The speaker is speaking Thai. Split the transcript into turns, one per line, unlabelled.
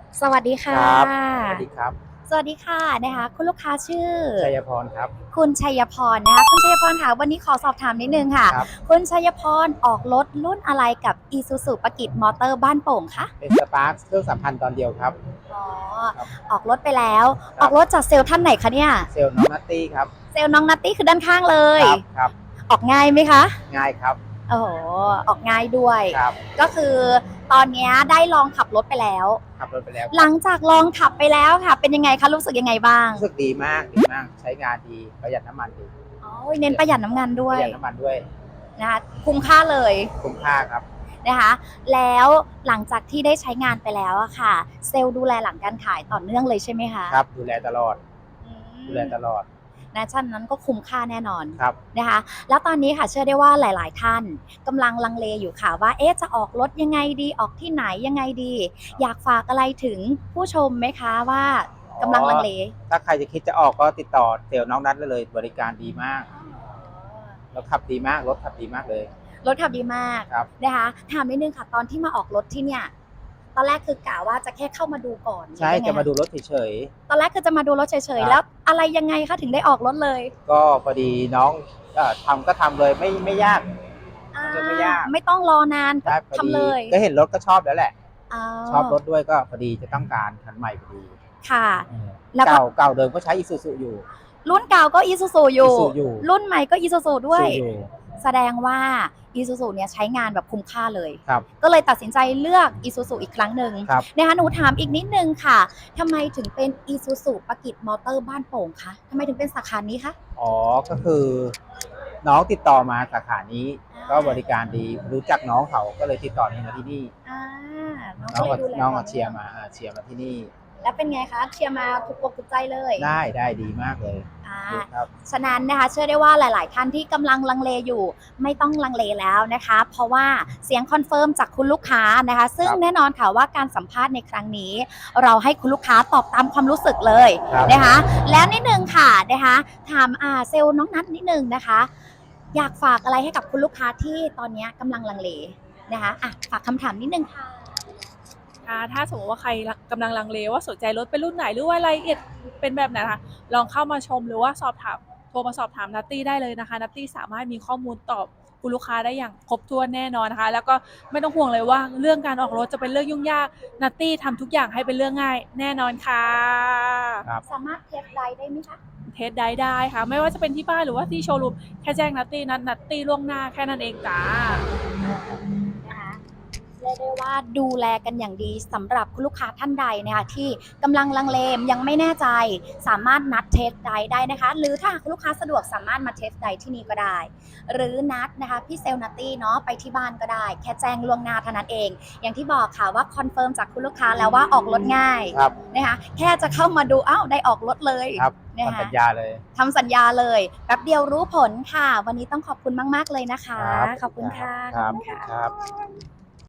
สวัสดีค่ะ
ครับสวัสดีครับ
สวัสดีค่ะนะคะคุณลูกค้าชื่อ
ชัยพรครับ
คุณชัยพรนะคะคุณชัยพรค่ะวันนี้ขอสอบถามนิดนึงค่ะ
ครับ
คุณชัยพรออกรถรุ่นอะไรกับ Isuzu ปกิจมอเตอร์บ้านโป่งคะ
เป็นสปาร์คเครื่องสัมพันธ์ตอนเดียวครับ
อ๋อ
ครับ
ออกรถไปแล้ว
ครับ
ออกรถจากเซลล์ท่านไหนคะเนี่ย
เซลล์น้องนัตตี้ครับ
เซลล์น้องนัตตี้คือด้านข้างเลย
ครับครับ
ออกง่ายไหมคะ
ง่ายครับ
โอ้โหออกง่ายด้วย
ครับ
ก็คือตอนนี้ได้ลองขับรถไปแล้ว
ขับรถไปแล้วค
หลั
รับ
งจากลองขับไปแล้วค่ะเป็นยังไงคะรู้สึกยังไงบ้าง
รู้สึกดีมากดีมากใช้งานดีประหยัดน้ำมันดี
อ๋อเน้นประหยัดน้ำมันด้
ป
วย
ระหยัดน้ำมันด้วย
นะคะคุ้มค่าเลย
คุ้มค่าครับ
นะคะแล้วหลังจากที่ได้ใช้งานไปแล้วอะค่ะเซลล์ดูแลหลังการขายต่อเนื่องเลยใช่ไหมคะ
ครับดูแลตลอด
อื
ดูแลตลอด
นะฉะนั้นก็คุ้มค่าแน่นอน
ครับ
นะคะแล้วตอนนี้ค่ะเชื่อได้ว่าหลายๆท่านกำลังลังเลอยู่ค่ะว่าเอ๊ะจะออกรถยังไงดีออกที่ไหนยังไงดีอยากฝากอะไรถึงผู้ชมไหมคะว่ากำลังลังเล
ถ้าใครจะคิดจะออกก็ติดต่อเซลล์น้องนัทได้เลยบริการดีมากแล้วขับดีมากรถขับดีมากเลย
รถขับดีมาก
ครับ
นะคะถามนิดนึงค่ะตอนที่มาออกรถที่เนี่ยตอนแรกคือกะว่าจะแค่เข้ามาดูก่อนหรื
ใช่
อยังไงคะ
จะมาดูรถเฉย
ตอนแรกคือจะมาดูรถเฉยๆ
ครับ
แล้วอะไรยังไงคะถึงได้ออกรถเลย
ๆก็พอดีน้องทำก็ทำเลยไม่ยาก
อ่า
เรื่องไม่ยาก
ไม่ต้องรอนานก็
ได้พอดี
ทำเลย
ก็เห็นรถก็ชอบแล้วแหละ
อ๋อ
ชอบรถด้วยก็พอดีจะต้องการคันใหม่พอดี
ค่ะ
เออ
แล้วก็
เก่าเดิมก็ใช้อีซูซูอยู่
รุ่นเก่าก็ Isuzu อยู่
Isuzu อยู่
รุ่นใหม่ก็ Isuzu ด้วย
ซูอยู่
แสดงว่า Isuzu เนี่ยใช้งานแบบคุ้มค่าเลย
ครับ
ก็เลยตัดสินใจเลือก Isuzu อีกครั้งหนึ่ง
ครับ
นะคะหนูถามอีกนิดนึงค่ะทำไมถึงเป็น Isuzu ปกิจมอเตอร์บ้านโป่งคะทำไมถึงเป็นสาขานี้คะ
อ๋อก็คือน้องติดต่อมาสาขานี้ก็บริ
อ่า
การดีรู้จักน้องเขาก็เลยติดต่อนี่มาที่นี่
อ่าน้อง
น้องก็
ก็เลยดูแล
น้อง
ต่อ
ก็เชียร์
เนื่อง
มาเชียร์มาที่นี่
แล้วเป็นไงคะเชียร์มาถูกอกถูกใจเลย
ได้ดีมากเลย
อ่า
ดีครับ
ฉะนั้นนะคะเชื่อได้ว่าหลาย ๆ ท่านที่กำลังลังเลอยู่ไม่ต้องลังเลแล้วนะคะเพราะว่าเสียงคอนเฟิร์มจากคุณลูกค้านะคะซึ่ง
ครับ
แน่นอนค่ะว่าการสัมภาษณ์ในครั้งนี้ เราให้คุณลูกค้าตอบตามความรู้สึกเลย
ครับ
นะคะแล้วนิดนึงค่ะนะคะถามเซลล์น้องนัทนิดนึงนะคะอยากฝากอะไรให้กับคุณลูกค้าที่ตอนนี้กำลังลังเลนะคะฝากคำถามนิดนึงค่ะ
ถ้าสมมติว่าใครกำลังลังเลว่าสนใจรถเป็นรุ่นไหนหรือว่ารายละเอียดเป็นแบบไหนนะคะลองเข้ามาชมหรือว่าสอบถามโทรมาสอบถามนัตตี้ได้เลยนะคะนัตตี้สามารถมีข้อมูลตอบคุณลูกค้าได้อย่างครบถ้วนแน่นอนนะคะแล้วก็ไม่ต้องห่วงเลยว่าเรื่องการออกรถจะเป็นเรื่องยุ่งยากนัตตี้ทำทุกอย่างให้เป็นเรื่องง่ายแน่นอนค่ะ
ครับ
สามารถเทสไดได้ไหมคะ
เทสได้ค่ะไม่ว่าจะเป็นที่บ้านหรือว่าที่โชว์รูมแค่แจ้งนัตตี้นัตตี้ล่วงหน้าแค่นั้นเองจ้า
นะคะเรียกได้ว่าดูแลกันอย่างดีสำหรับคุณลูกค้าท่านใดนะคะที่กำลังลังเลยังไม่แน่ใจสามารถนัดเทสไดร์ได้นะคะหรือถ้าคุณลูกค้าสะดวกสามารถมาเทสไดร์ที่นี่ก็ได้หรือนัดนะคะพี่เซลนัตตี้เนาะไปที่บ้านก็ได้แค่แจ้งล่วงหน้าเท่านั้นเองอย่างที่บอกค่ะว่าคอนเฟิร์มจากคุณลูกค้าแล้วว่าออกรถง่าย
ครับ
นะคะแค่จะเข้ามาดูอ้าวได้ออกรถเลย
ครับ
นะคะ
ทำสัญญาเลย
ทำสัญญาเลยแป๊บเดียวรู้ผลค่ะวันนี้ต้องขอบคุณมากๆเลยนะคะ
ครับ
ขอบคุณค่ะ
ครับ
ขอบคุณค่ะ
ครับ